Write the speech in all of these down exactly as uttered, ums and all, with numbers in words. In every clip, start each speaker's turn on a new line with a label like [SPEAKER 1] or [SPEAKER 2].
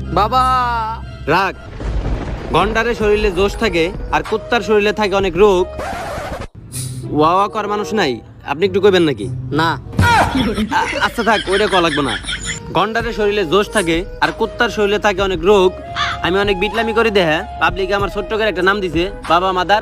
[SPEAKER 1] বাবা
[SPEAKER 2] রাগ। গন্ডারে শরীরে জোশ থাকে আর কুত্তার শরীরে থাকে অনেক রোগ। ওয়াওয়া কর মানুষ নাই, আপনি একটু কইবেন নাকি?
[SPEAKER 1] না
[SPEAKER 2] আ- আচ্ছা থাক, ওইটা কল লাগবে না। গন্ডারে শরীরে জোশ থাকে আর কুত্তার শরীরে থাকে অনেক রোগ। আমি অনেক বিটলামি করে দেহা পাবলিকে আমার ছোট্ট করে একটা নাম দিছে, বাবা মাদার।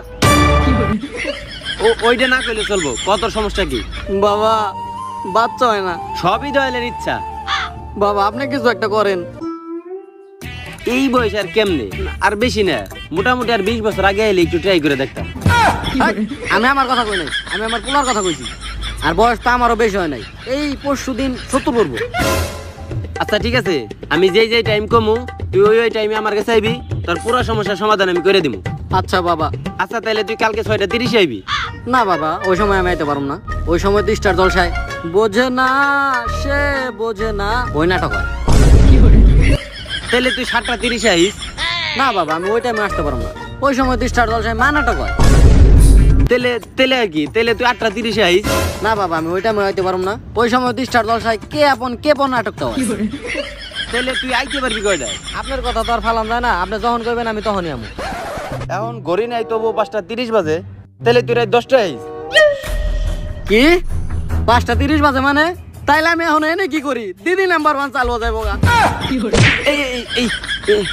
[SPEAKER 2] ও ওইটা না কইলে চলবো, কত সমস্যা কি?
[SPEAKER 1] বাবা বাচ্চা হয় না।
[SPEAKER 2] সবই দয়ালের ইচ্ছা।
[SPEAKER 1] বাবা আপনি কিছু একটা করেন।
[SPEAKER 2] এই বয়স আর কেমনে, আর বেশি না, মোটামুটি আর বিশ বছর আগে এলে একটু ট্রাই করে দেখতাম।
[SPEAKER 1] এই, আমি আমার কথা কই নাই, আমি আমার পোলার কথা কইছি। আর বয়স তো আমারও বেশি হয় নাই, এই পরশু দিন সত্তর পড়বো।
[SPEAKER 2] আচ্ছা ঠিক আছে, আমি যেই যেই টাইম কমু তুই ওই ওই টাইমে আমার কাছে আইবি, তোর পুরো সমস্যার সমাধান আমি করে দিব।
[SPEAKER 1] আচ্ছা বাবা।
[SPEAKER 2] আচ্ছা তাহলে তুই কালকে ছয়টা তিরিশে আইবি।
[SPEAKER 1] না বাবা, ওই সময় আমি আইতে পারবো না। ওই সময় তো স্টার জলসায় বোঝে না সে বোঝে না ওই নাটক হয়।
[SPEAKER 2] তাহলে তুই সাতটা তিরিশে আইস।
[SPEAKER 1] না বাবা, আমি ওই টাইমে আসতে পারবো না। ওই সময় তো স্টার জলসায় মা নাটক হয়।
[SPEAKER 2] তেলে তেলে আর কি, তেলে তুই আটটা তিরিশে আইস।
[SPEAKER 1] না বাবা, আমি ওই টাইমে আইতে পারবো না। ওই সময় তো স্টার জলসায় কে আপন কে পন নাটকটা হয়।
[SPEAKER 2] তাহলে তুই আইতে পারবি কয়টায়?
[SPEAKER 1] আপনার কথা তো আর ফালাম যায় না, আপনি যখন করবেন আমি তখনই আমু।
[SPEAKER 2] এখন ঘড়ি নাই তবু পাঁচটা তিরিশ বাজে, তাহলে তুই রাত দশটায় আইস।
[SPEAKER 1] কি পাঁচটা তিরিশ বাজে মানে? তাইলে আমি এখন এনে কি করি? দিদি নাম্বার ওয়ান চালু যাইব গা।
[SPEAKER 2] এই এই এই এই।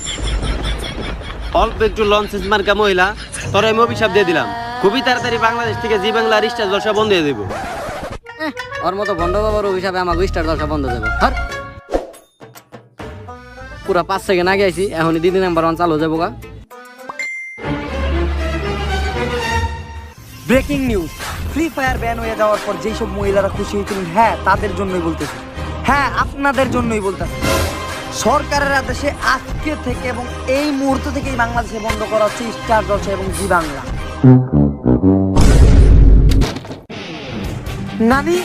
[SPEAKER 2] অল্প একটু লঞ্চেস মার্কা মহিলা, তোর আমি অভিশাপ দিয়ে দিলাম, খুবই তাড়াতাড়ি বাংলাদেশ থেকে জি বাংলা আর স্টার জলসা বন্ধ হয়ে দেবো।
[SPEAKER 1] এহ, ওর মতো বন্ধ বাবার অভিশাপে আমাকে স্টার জলসা বন্ধ দেবো। ধর পুরা পাঁচ সেকেন্ড আগে আইছি, এখনই দিদি নাম্বার ওয়ান চালু যাবো গা।
[SPEAKER 3] Breaking news, free fire ban হয়ে যাওয়ার পর যেই সব মহিলারা খুশি হয়েছিলেন, হ্যাঁ তাদের জন্যই বলতেছি, হ্যাঁ আপনাদের জন্যই বলতেছি। সরকারের আদেশে আজকে থেকে এবং এই মুহূর্ত থেকেই বাংলাদেশে বন্ধ করা হচ্ছে স্টার জলসা এবং জি বাংলা। নানি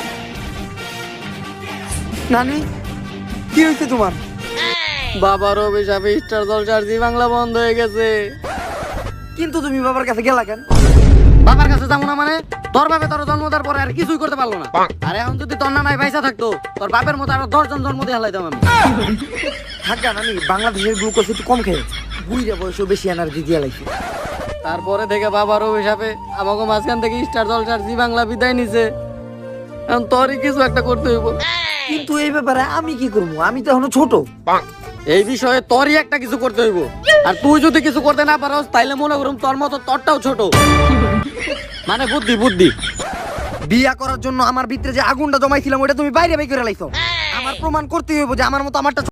[SPEAKER 3] নানি কি হয়েছে তোমার?
[SPEAKER 1] বাবার অভিশাপে স্টার জলসা আর জি বাংলা বন্ধ হয়ে গেছে।
[SPEAKER 3] কিন্তু তুমি বাবার কাছে গেলা কেন?
[SPEAKER 1] বাবার কাছে যাবো না মানে? তোর বাপে তোর জন্ম দেওয়ার পরে আর কিছুই করতে পারলো না। আর এখন যদি তোর নানাই পয়সা থাকতো, তোর বাপের মতো আরো দশজন জন্ম দিয়ে হালাইতাম আমি।
[SPEAKER 3] থাকা নানি, বাংলাদেশের গ্লুকোজ একটু কম খেয়ে বুঝে বয়সও বেশি এনার্জি দিয়ে লাগছে।
[SPEAKER 1] তারপরে থেকে বাবার অভিশাপে আমাকে মাঝখান থেকে স্টার জলসার জি বাংলা বিদায় নিছে। এখন তোরই কিছু একটা করতে হইব।
[SPEAKER 3] কিন্তু এই ব্যাপারে আমি কি করবো? আমি তো এখনো ছোট।
[SPEAKER 1] এই বিষয়ে তোরই একটা কিছু করতে হইব। আর তুই যদি কিছু করতে না পারস, তাইলে মনে করুম তোর মতো তোরটাও ছোট। মানে বুদ্ধি বুদ্ধি।
[SPEAKER 3] বিয়া করার জন্য আমার ভিতরে যে আগুনটা জমাইছিলাম ওটা তুমি বাইরে বের করে লাইছো। আমার প্রমাণ করতে হইব যে আমার মতো আমারটা